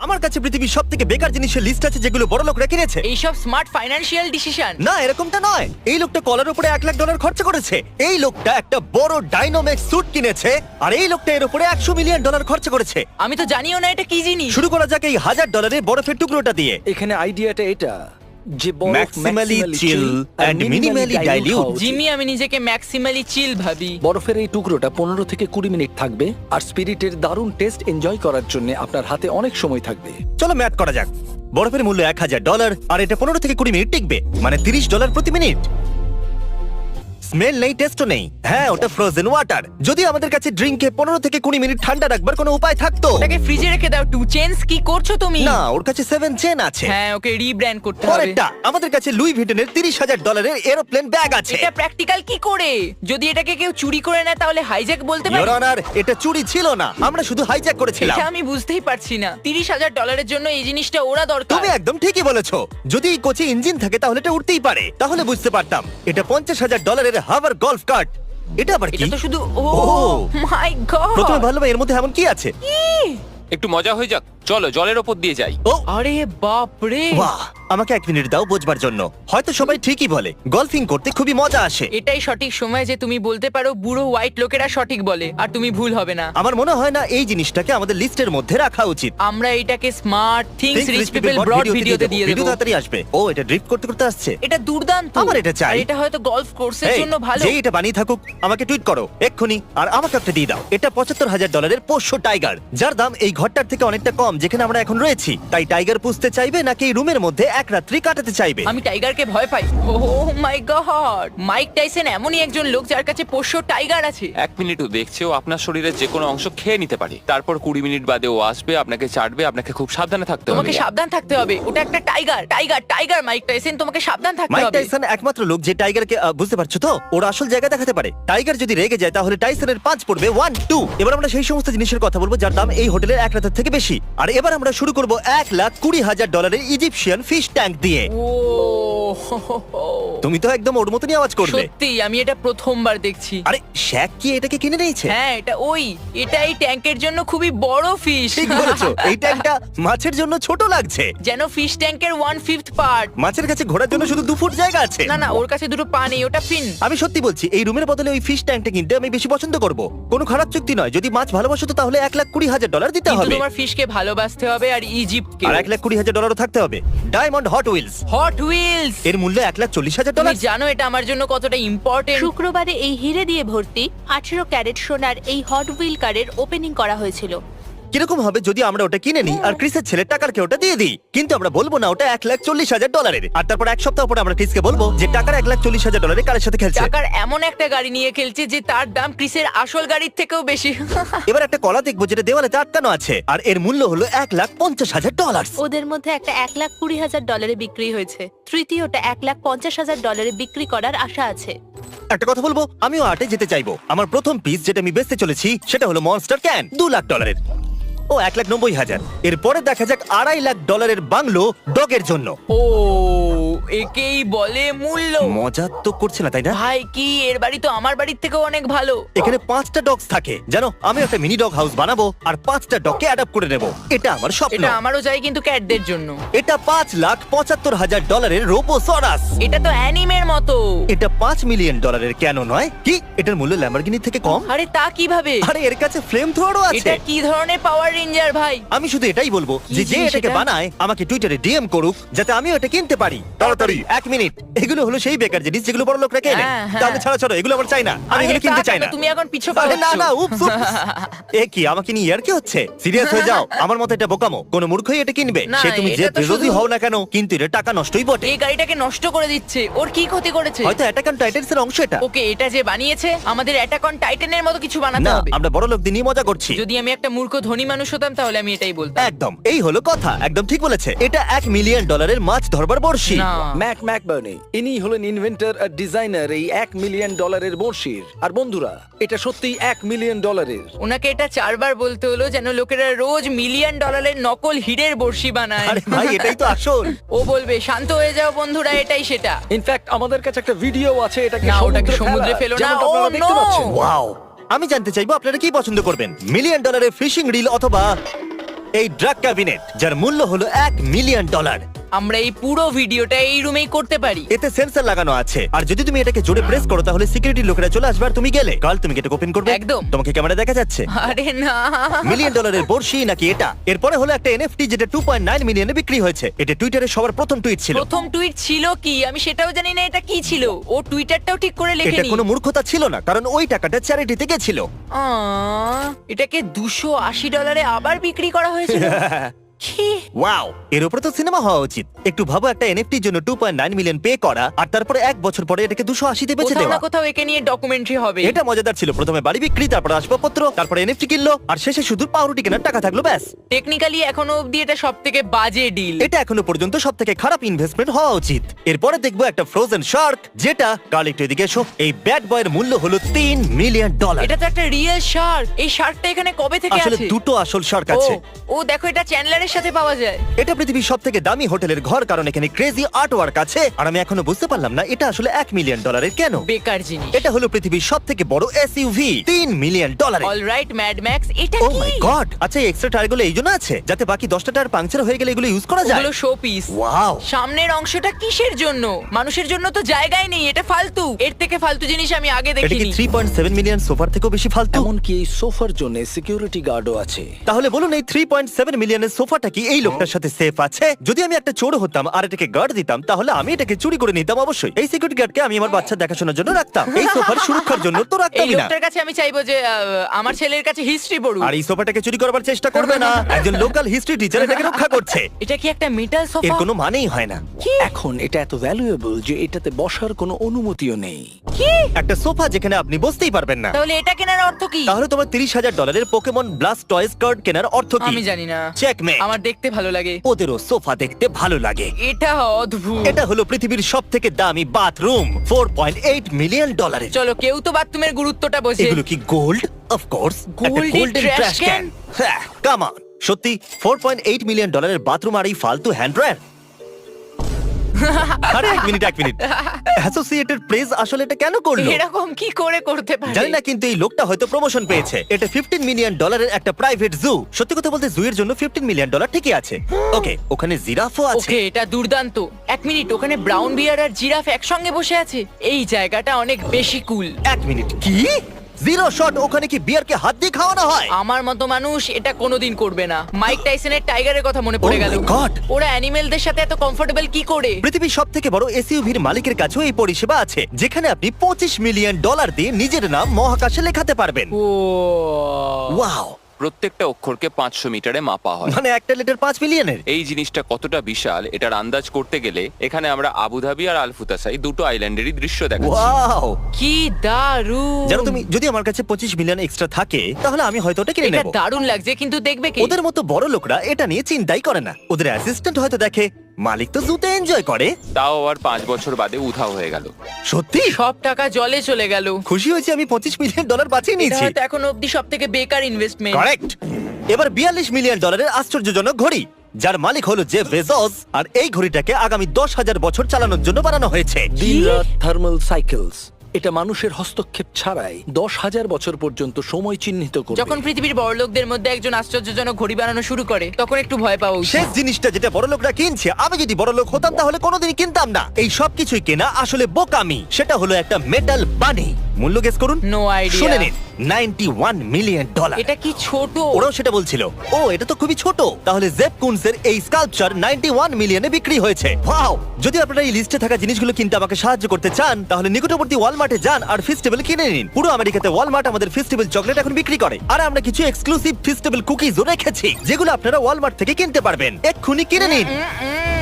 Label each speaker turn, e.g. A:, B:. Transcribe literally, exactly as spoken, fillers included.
A: আমার কাছে পৃথিবীর সবথেকে বেকার জিনিসের লিস্ট আছে যেগুলো বড় লোকরা কিনেছে।
B: এইসব স্মার্ট ফাইন্যান্সিয়াল ডিসিশন।
A: না, এরকমটা নয়। এই লোকটা কলার উপরে এক লাখ ডলার খরচা করেছে। এই লোকটা একটা বড় ডাইনোমেক্স স্যুট কিনেছে, আর এই লোকটা এর উপরে একশো মিলিয়ন ডলার খরচা করেছে।
B: আমি তো জানিও না এটা কি জিনিস।
A: শুরু করা যাক এই হাজার ডলারের বরফের টুকরোটা দিয়ে।
C: এখানে আইডিয়াটা এটা যে বরফ
A: Maximally
C: maximally
A: chill
C: chill
A: and
C: R
A: minimally
C: minimally dilute
A: dilute।
C: হওয়া উচিত।
B: জিমি, আমি নিজেকে ম্যাক্সিমালি চিল ভাবি।
C: বরফের এই টুকরোটা পনেরো থেকে কুড়ি মিনিট থাকবে আর স্পিরিটের দারুণ টেস্ট এনজয় করার জন্য আপনার হাতে অনেক সময় থাকবে।
A: চলো ম্যাথ করা যাক। বরফের মূল্য এক হাজার ডলার, আর এটা পনেরো থেকে কুড়ি মিনিট টিকবে, মানে তিরিশ ডলার প্রতি মিনিট। স্মেল নেই, টেস্টও নেই। হ্যাঁ, ওটা ফ্রোজেন ওয়াটার। যদি আমাদের কাছে ড্রিঙ্কে পনেরো থেকে কুড়ি মিনিট ঠান্ডা রাখবার কোনো উপায় থাকতো।
B: ওটাকে ফ্রিজে রেখে দাও। টু চেঞ্জ কি করছো তুমি?
A: না, ওর কাছে সেভেন চেন আছে।
B: হ্যাঁ, ওকে রিব্র্যান্ড করতে হবে।
A: পরেরটা, আমাদের কাছে লুই ভিটনের তিরিশ হাজার ডলারের এরোপ্লেন ব্যাগ আছে।
B: এটা প্র্যাকটিক্যাল কি করে? যদি এটাকে কেউ চুরি করে নেয় তাহলে হাইজ্যাক বলতে পারি?
A: ইওর অনার, এটা চুরি ছিল না, আমরা শুধু হাইজ্যাক করেছিলাম।
B: এটা আমি বুঝতেই পারছি না। তিরিশ হাজার ডলারের জন্য এই জিনিসটা ওরা দরকার।
A: তুমি একদম ঠিকই বলেছো। যদি এই কোচে ইঞ্জিন থাকে তাহলে এটা উঠতেই পারে, তাহলে বুঝতে পারতাম। এটা পঞ্চাশ হাজার ডলারের হাভার গলফ কার্ট। এটা আবার কি?
B: এটা তো শুধু ও
A: Oh!
B: মাই গড।
A: প্রথমে ভাবলাম এর মধ্যে এমন কি আছে।
D: একটু মজা হয়ে যাক, চলো জলের ওপর দিয়ে যাই।
A: ও
B: আরে বাপ রে।
A: বাহ, আমাকে এক মিনিট দাও বোঝবার জন্য। হয়তো সবাই ঠিকই বলে, গলফিং করতে খুবই মজা আসে।
B: এটাই সঠিক সময় যে তুমি বলতে পারো বুড়ো হোয়াইট লোকেরা সঠিক বলে, আর তুমি ভুল হবে না।
A: আমার মনে হয় না এই জিনিসটাকে আমাদের লিস্টের মধ্যে রাখা উচিত।
B: আমরা এটাকে smart things
A: Think
B: rich
A: Rich
B: people
A: People
B: ব্রড
A: ভিডিওতে
B: ভিডিওতে দিয়ে
A: ভিডিও
B: দেবো।
A: তাড়াতাড়ি আসবে। ও, এটা ড্রিফট করতে করতে আসছে।
B: এটা দুর্দান্ত।
A: আমার এটা চাই।
B: আর এটা হয়তো গলফ কোর্সের
A: এই,
B: জন্য ভালো।
A: যেই এটা বানিয়ে থাকুক আমাকে টুইট করো এক্ষুনি, আর আমাকে একটা দিয়ে দাও। এটা পঁচাত্তর হাজার ডলারের পোষ্য টাইগার, যার দাম এই ঘরটার থেকে অনেকটা কম যেখানে আমরা এখন রয়েছি। তাই টাইগার পুষতে চাইবে নাকি এই রুমের মধ্যে এক রাত্রি কাটাতে চাইবে?
B: আমি টাইগারকে ভয় পাই। Oh my God, Mike Tyson এমনই একজন লোক যার কাছে পোষ্য টাইগার আছে।
D: এক মিনিটও দেখছে ও আপনার শরীরের যে কোনো অংশ খেয়ে নিতে পারে। তারপর কুড়ি মিনিট বাদে ও আসবে, আপনাকে চাটবে, আপনাকে খুব সাবধানে থাকতে
B: তোমাকে
D: হবে।
B: সাবধান থাকতে হবে। ওটা একটা tiger tiger tiger Mike Tyson, তোমাকে সাবধান থাকতে
A: মাইক
B: হবে।
A: টাইসন একমাত্র লোক যে টাইগারকে আহ, বুঝতে পারছো তো, ওর আসল জায়গা দেখাতে পারে। টাইগার যদি রেগে যায় তাহলে টাইসনের পাঁচ পড়বে ওয়ান টু। এবার আমরা সেই সমস্ত জিনিসের কথা বলবো যার দাম এই হোটেলের এক রাতের থেকে বেশি। আর এবার আমরা শুরু করব এক লাখ কুড়ি হাজার ডলারের ইজিপশিয়ান ফিশ ট্যাঙ্ক দিয়ে।
B: ও
A: তুমি তো একদম ওর মতনই আওয়াজ করবে।
B: সত্যি আমি এটা প্রথমবার দেখছি।
A: আরে শ্যাক কি এটাকে কিনে নিয়েছে?
B: হ্যাঁ, এটা ওই এটা এই ট্যাঙ্কের জন্য খুবই বড় ফিশ।
A: ঠিক বলেছো, এই ট্যাঙ্কটা মাছের জন্য ছোট লাগছে।
B: যেন ফিশ ট্যাঙ্কের ওয়ান ফিফথ পার্ট।
A: মাছের কাছে ঘোরার জন্য শুধু দু ফুট জায়গা আছে।
B: না না, ওর কাছে দুটো পা নেই, ওটা ফিন।
A: আমি সত্যি বলছি, এই রুমের বদলে ওই ফিশ ট্যাঙ্কটা কিনতে আমি বেশি পছন্দ করব। কোনো খারাপ চুক্তি নয়, যদি মাছ ভালোবাসো তো তাহলে এক লাখ কুড়ি হাজার ডলার দিতে
B: কিন্তু
A: হবে।
B: তোমার ফিশকে ভালোবাসতে হবে আর ইজিপ্টকে।
A: আর এক লাখ কুড়ি হাজার ডলারও থাকতে হবে। Diamond Hot Wheels,
B: Hot Wheels.
A: এর মূল্য এক লাখ চল্লিশ হাজার
B: তুমি
A: ডলার।
B: জানো এটা আমার জন্য কতটা ইম্পর্টেন্ট।
E: শুক্রবারে এই হিরে দিয়ে ভর্তি আঠেরো ক্যারেট সোনার এই হট হুইল কারের ওপেনিং করা হয়েছিল।
A: কিরকম হবে যদি আমরা ওটা কিনে নিই আর ক্রিসের ছেলের টাকারকে ওটা দিয়ে দিই? কিন্তু আমরা বলবো না ওটা এক লাখ চল্লিশ হাজার ডলারের। আর তারপর এক সপ্তাহ পরে আমরা ক্রিসকে বলবো যে টাকার এক লাখ চল্লিশ হাজার ডলারের কারের সাথে খেলছে।
B: টাকার এমন একটা গাড়ি নিয়ে খেলছে যে তার দাম ক্রিসের আসল গাড়ির থেকেও বেশি।
A: এবার একটা কলা দেখবো যেটা দেওয়ালেতে আটকানো আছে, আর এর মূল্য হলো এক লাখ পঞ্চাশ হাজার ডলার।
E: ওদের মধ্যে একটা এক লাখ কুড়ি হাজার ডলারে বিক্রি হয়েছে, তৃতীয়টা এক লাখ পঞ্চাশ হাজার ডলারে বিক্রি করার আশা আছে।
A: একটা কথা বলবো, আমিও আর্টে যেতে চাইবো। আমার প্রথম পিস যেটা আমি বেচতে চলেছি সেটা হলো মনস্টার ক্যান, দু লাখ ডলারের। ও এক লাখ নব্বই হাজার। এরপরে দেখা যাক আড়াই লাখ ডলারের বাংলো ডগের জন্য।
B: ও একেই বলে মূল্য।
A: মজা তো করছে না তাই না?
B: ভাই কি এর বাড়ি তো আমার বাড়ির থেকেও অনেক ভালো।
A: এখানে পাঁচটা ডগস থাকে জানো। আমি একটা মিনি ডগ হাউস বানাবো আর পাঁচটা ডগকে অ্যাডাপ্ট করে নেব। এটা আমার স্বপ্ন।
B: এটা আমারও চাই, কিন্তু ক্যাটদের জন্য।
A: এটা পাঁচ লাখ পঁচাত্তর হাজার ডলারের রোবোসরাস।
B: এটা তো অ্যানিমের মতো।
A: এটা পাঁচ মিলিয়ন ডলারের কেন নয়? কি এটার মূল্য ল্যাম্বরগিনির থেকে কম?
B: আরে তা কিভাবে?
A: আরে এর কাছে ফ্লেম থ্রোয়ারও আছে।
B: এটা কি ধরনের পাওয়ার রেঞ্জার ভাই?
A: আমি শুধু এটাই বলবো যে যে
B: জিনিস
A: এটাকে
B: এটা?
A: বানায় আমাকে টুইটারে ডিএম করুক যাতে আমিও এটা কিনতে পারি। তাড়াতাড়ি এক মিনিট। এগুলো হলো সেই বেকার জিনিস যেগুলো বড় লোকরা কেনে।
B: হ্যাঁ, হ্যাঁ।
A: তাহলে ছাড়া ছাড়ো, এগুলো আমার চাই না। আমি
B: আরে
A: এগুলো কিনতে
B: তা
A: চাই
B: কেন?
A: না।
B: তুমি এখন পিছু
A: আরে না
B: পাচ্ছ।
A: না, উপস উপস। এ কি আমাকে নিয়ে ইয়ার কি হচ্ছে? সিরিয়াস হয়ে যাও। আমার মতে এটা বোকামো, কোন মূর্খই এটা কিনবে।
B: না,
A: সে তুমি যে
B: এটা তো
A: বিরোধী
B: শুধু-
A: হও না কেন, কিন্তু এটা টাকা নষ্টই বটে।
B: এই গাড়িটাকে নষ্ট করে দিচ্ছে। ওর কি ক্ষতি করেছে?
A: হয়তো অ্যাটাক অন টাইটান্স এর অংশ এটা।
B: ওকে, এটা যে বানিয়েছে আমাদের অ্যাটাক অন টাইটানের মতো কিছু বানাতে
A: না,
B: হবে।
A: আমরা বড় লোকদের নিয়ে মজা করছি।
B: যদি আমি একটা মূর্খ ধনী মানুষ হতাম তাহলে আমি এটাই বলতাম।
A: একদম, এই হলো কথা। একদম ঠিক বলেছে। এটা এক মিলিয়ন ডলারের মাছ ধরবার বড়শি।
B: না।
C: ম্যাক ম্যাকবার্নি ইনি হলেন ইনভেন্টর আর ডিজাইনার এই এক মিলিয়ন ডলারের বড়শির। আর বন্ধুরা, এটা সত্যি এক মিলিয়ন ডলারের।
B: ওনাকে এটা চারবার বলতে হলো যেন লোকেরা রোজ মিলিয়ন ডলারের নকল হিরের বড়শি বানায়।
A: আরে ভাই, এটাই তো আসল।
B: ও বলবে শান্ত হয়ে যাও বন্ধুরা, এটাই সেটা।
C: ইনফ্যাক্ট আমাদের কাছে একটা ভিডিও আছে এটাকে
B: না, ওটাকে
C: সমুদ্রে
B: সমুদ্রে
C: ফেলার,
B: ফেলো না।
C: যেমনটা
B: ও,
C: আপনারা দেখতে
B: no!
C: পাচ্ছেন।
A: ওয়াও, আমি জানতে চাইবো আপনারা কি পছন্দ করবেন, মিলিয়ন ডলারের ফিশিং রিল অথবা এই ড্রাগ ক্যাবিনেট যার মূল্য হলো এক মিলিয়ন ডলার।
B: আমরা এই পুরো ভিডিওটা এই রুমেই করতে পারি।
A: এতে সেন্সর লাগানো আছে, আর যদি তুমি এটাকে জোরে প্রেস করো তাহলে সিকিউরিটি লোকেরা চলে আসবে আর তুমি গেলে। কাল তুমি এটা ওপেন করবে?
B: একদম।
A: তোমাকে ক্যামেরা দেখা যাচ্ছে?
B: আরে না,
A: মিলিয়ন ডলারের বর্ষি নাকি এটা? এরপরে হলো একটা এনএফটি যেটা টু পয়েন্ট নাইন মিলিয়নে বিক্রি হয়েছে। এটা টুইটারে সবার প্রথম টুইট ছিল।
B: প্রথম টুইট ছিল কি আমি সেটাও জানি না এটা কি ছিল। ও টুইটারটাও ঠিক করে
A: এটা
B: লেখেনি।
A: কোনো মূর্খতা ছিল না, কারণ ওই টাকাটা চ্যারিটিতে গেছিল।
B: আহ, এটাকে দুশো আশি ডলারে আবার বিক্রি করা হয়েছিল। কি?
A: ওয়াও, এর উপরে তো সিনেমা হওয়া উচিত। একটু ভাবো, একটা এনএফটির জন্য two point nine million pay করা, আর তারপরে এক বছর পরে এটাকে দুশো আশিতে বেচে
B: কোথাও না
A: দেওয়া।
B: কোথাও একে নিয়ে ডকুমেন্টারি হবে।
A: এটা মজাদার ছিল। প্রথমে বাড়ি বিক্রি, তারপর আসবাবপত্র, তারপরে এনএফটি কিনলো, আর শেষে শুধু পাউরুটি কেনার টাকা থাকলো, ব্যাস।
B: টেকনিক্যালি এখনো অবধি এটা সবথেকে বাজে ডিল।
A: এটা এখনো পর্যন্ত সব থেকে খারাপ ইনভেস্টমেন্ট হওয়া উচিত। এরপরে দেখবো একটা ফ্রোজেন শার্ক, যেটা কাল একটু এদিকে এসো। এই ব্যাড বয়ের মূল্য হলো তিন মিলিয়ন ডলার।
B: এটা তো একটা রিয়েল শার্ক। এই শার্কটা এখানে কবে থেকে
A: আসলে
B: আছে?
A: দুটো আসল শার্ক
B: ও,
A: আছে।
B: ও দেখো এটা চ্যান্ডলারের সাথে পাওয়া যায়।
A: এটা পৃথিবীর সব থেকে দামি হোটেলের ঘর, কারণ এখানে ক্রেজি আর্ট ওয়ার্ক আছে। আর আমি এখনো বুঝতে পারলাম না এটা আসলে এক মিলিয়ন ডলারের কেন।
B: বেকার জিনিস।
A: এটা হলো পৃথিবীর সব থেকে বড় এসইউভি, তিন million dollar.
B: Alright Mad Max, এটা
A: ও
B: কি?
A: My God! আচ্ছা, এই এক্সট্রা টায়ারগুলো এই জন্য আছে যাতে বাকি দশটা টায়ার পাংচার হয়ে গেলে এগুলো ইউজ করা যায়।
B: ওগুলো শো পিস।
A: ওয়াও!
B: সামনের অংশটা কিসের জন্য? মানুষের জন্য তো জায়গায় নেই, এটা ফালতু। এর থেকে ফালতু জিনিস আমি আগে
A: এটা কি
B: দেখিনি।
A: থ্রি পয়েন্ট সেভেন মিলিয়ন সোফার থেকেও বেশি ফালতু?
C: এমনকি এই সোফার জন্য সিকিউরিটি গার্ডও আছে।
A: তাহলে বলুন, এই থ্রি পয়েন্ট সেভেন মিলিয়নের সোফাটা কি এই লোকটার সাথে সেফ আছে? যদি আমি একটা চোর হতাম আর এটাকে গার্ড দিতাম, তাহলে আমি এটাকে চুরি করে নিতাম অবশ্যই। এই সিকিউরিটি গার্ডকে আমি আমার বাচ্চা দেখাশোনার জন্য রাখতাম, এই সোফার সুরক্ষার জন্য তো
B: এই
A: রাখতামই না।
B: লোকটার কাছে আমি চাইবো যে আহ, আমার ছেলের কাছে হিস্ট্রি পড়ুক।
A: আর এই সোফাটাকে চুরি করবার চেষ্টা করবে না। একজন লোকাল হিস্ট্রি টিচার এটাকে রক্ষা করছে।
B: এটা কি একটা মেটাল
A: এর
B: সোফা?
A: কোনো মানেই হয় না।
C: এখন এটা এত ভ্যালুয়েবল যে এটাতে বসার কোনো অনুমতিও নেই।
B: কি?
A: একটা সোফা যেখানে আপনি বসতেই পারবেন না।
B: তাহলে এটা কেনার অর্থ কি?
A: তাহলে তোমার তিরিশ হাজার ডলারের পোকেমন ব্লাস্ট টয়েস কার্ড কেনার অর্থ কি?
B: আমি জানি না।
A: চেকমেট।
B: আমার দেখতে ভালো লাগে।
A: ওদেরও সোফা দেখতে ভালো লাগে।
B: এটা অদ্ভুত।
A: এটা হলো পৃথিবীর সব থেকে দামি bathroom, four point eight million ডলারের।
B: চলো, কেউ তো বাথরুমের গুরুত্বটা বোঝে।
A: এগুলো কি গোল্ড? অফ কোর্স,
B: Gold এর trash can?
A: হ্যাঁ, কাম অন। সত্যি ফোর পয়েন্ট এইট মিলিয়ন ডলারের বাথরুম আর এই ফালতু হ্যান্ড ড্রায়ার? আরে এক মিনিট এক মিনিট অ্যাসোসিয়েটেড প্রেস আসলে এটা কেন করলো?
B: এরকম কি করে করতে পারে?
A: জানি না, কিন্তু এই লোকটা হয়তো প্রমোশন পেয়েছে। এটা ফিফটিন মিলিয়ন ডলারের একটা প্রাইভেট জু। সত্যি কথা বলতে জু এর জন্য ফিফটিন মিলিয়ন ডলার ঠিকই আছে। ওকে, ওখানে জিরাফও আছে।
B: ওকে, এটা দুর্দান্ত। এক মিনিট, ওখানে ব্রাউন বিয়ার আর জিরাফ একসঙ্গে বসে আছে। এই জায়গাটা অনেক বেশি কুল।
A: এক মিনিট, কি? Zero shot? ওখানে কি বিয়ারকে হাত দিয়ে খাওয়ানো হয়?
B: আমার মতো মানুষ এটা কোনোদিন করবে না। মাইক টাইসনের টাইগারের কথা মনে পড়ে
A: Oh
B: গেল।
A: my God!
B: ওরা অ্যানিমেলদের সাথে এত কমফোর্টেবল কি করে?
A: পৃথিবীর সব থেকে বড় এসইউভির মালিকের কাছেও এই পরিষেবা আছে, যেখানে আপনি পঁচিশ মিলিয়ন ডলার দিয়ে নিজের নাম মহাকাশে লেখাতে পারবেন।
B: Oh,
A: wow!
D: প্রত্যেকটা অক্ষরকে পাঁচশো মিটারে মাপা হয়।
A: মানে একটা লিটার পাঁচ মিলিয়নের?
D: এই জিনিসটা কতটা বিশাল এটার আন্দাজ করতে গেলে এখানে আমরা আবুধাবি আর আলফুতাসাই দুটো আইল্যান্ডেরই দৃশ্য দেখাচ্ছি।
A: ওয়াও!
B: কি দারুণ!
A: জানো তুমি, যদি আমার কাছে পঁচিশ মিলিয়ন এক্সট্রা থাকে তাহলে আমি হয়তো ওটা কিনে
B: এটা
A: নেব।
B: দারুণ লাগছে, কিন্তু দেখবে কি?
A: ওদের মতো বড় লোকরা এটা নিয়ে চিন্তাই করে না। ওদের অ্যাসিস্ট্যান্ট হয়তো দেখে, মালিক তো জুতে এনজয় করে।
D: তাও আবার পাঁচ বছর বাদে উধাও হয়ে গেল।
A: সত্যি
B: সব টাকা জলে চলে গেল।
A: খুশি হয়েছি আমি পঁচিশ মিলিয়ন ডলার বাঁচিয়ে
B: এটা
A: নিয়েছি।
B: হয়তো এখন অবধি সব থেকে বেকার ইনভেস্টমেন্ট।
A: কারেক্ট। এবার বিয়াল্লিশ মিলিয়ন ডলারের আশ্চর্যজনক ঘড়ি, যার মালিক হলো জেফ বেজোস। আর এই ঘড়িটাকে আগামী দশ হাজার বছর চালানোর জন্য বানানো হয়েছে।
C: দিনরাত থার্মাল সাইকেলস। এটা মানুষের হস্তক্ষেপ ছাড়াই দশ হাজার বছর পর্যন্ত সময় চিহ্নিত করবে।
B: যখন পৃথিবীর বড়লোকদের মধ্যে একজন আশ্চর্যজনক ঘড়ি বানানো শুরু করে, তখন একটু ভয় পাওয়া উচিত।
A: শেষ জিনিসটা যেটা বড় লোকরা কিনছে, আমি যদি বড় লোক হতাম তাহলে কোনোদিনই কিনতাম না। এই সব কিছুই কেনা আসলে বোকামি। সেটা হলো একটা মেটাল বানি। মূল্য গেস করুন।
B: No idea.
A: শুনে নিন, নাইনটি ওয়ান মিলিয়ন ডলার।
B: এটা কি ছোট?
A: ওরাও সেটা বলছিল। ও, এটা তো খুবই ছোট। তাহলে জেফ কুনসের এই স্কাল্পচার নাইনটি ওয়ান মিলিয়নে বিক্রি হয়েছে। ওয়াও! যদি আপনারা এই লিস্টে থাকা জিনিসগুলো কিনতে আমাকে সাহায্য করতে চান, তাহলে নিকটবর্তী ওয়ালমার্টে যান আর ফেস্টিভ্যাল কিনে নিন। পুরো আমেরিকাতে ওয়ালমার্ট আমাদের ফেস্টিভ্যাল চকলেট এখন বিক্রি করে। আর আমরা কিছু এক্সক্লুসিভ ফেস্টিভ্যাল কুকিজও রেখেছি, যেগুলো আপনারা ওয়ালমার্ট থেকে কিনতে পারবেন। এক্ষুনি কিনে নিন।
B: উম, উম,